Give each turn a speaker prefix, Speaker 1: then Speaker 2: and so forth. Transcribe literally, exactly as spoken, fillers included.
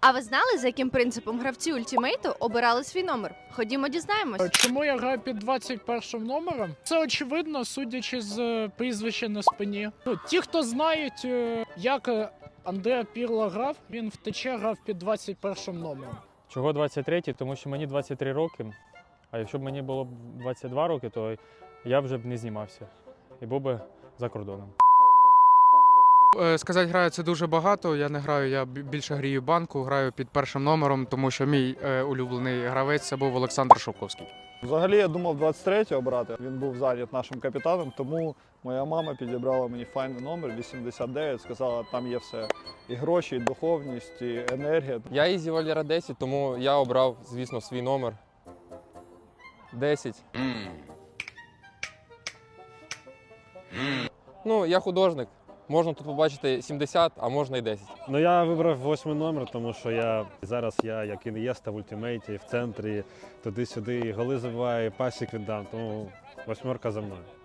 Speaker 1: А ви знали, за яким принципом гравці ультімейту обирали свій номер? Ходімо дізнаємось.
Speaker 2: Чому я граю під двадцять першим номером? Це очевидно, судячи з е, прізвища на спині. Ну, ті, хто знають, е, як е, Андреа Пірло грав, він в ТЧ грав під двадцять першим номером.
Speaker 3: Чого двадцять третій? Тому що мені двадцять три роки, а якщо б мені було б двадцять два роки, то я вже б не знімався і був би за кордоном.
Speaker 4: Е, Сказати, граю це дуже багато. Я не граю, я бі- більше грію банку, граю під першим номером, тому що мій е, улюблений гравець це був Олександр Шовковський.
Speaker 5: Взагалі я думав двадцять третього брати. Він був зайнят нашим капітаном, тому моя мама підібрала мені файний номер вісімдесят дев'ять, сказала, там є все. І гроші, і духовність, і енергія.
Speaker 6: Я Ізі Валера десять, тому я обрав, звісно, свій номер. десять. Ну, я художник. Можна тут побачити сімдесят, а можна і десять.
Speaker 7: Ну я вибрав восьмий номер, тому що я зараз я як Ін'єста в ультимейті, в центрі, туди-сюди, голи забиваю, пасік віддам, тому восьмерка за мною.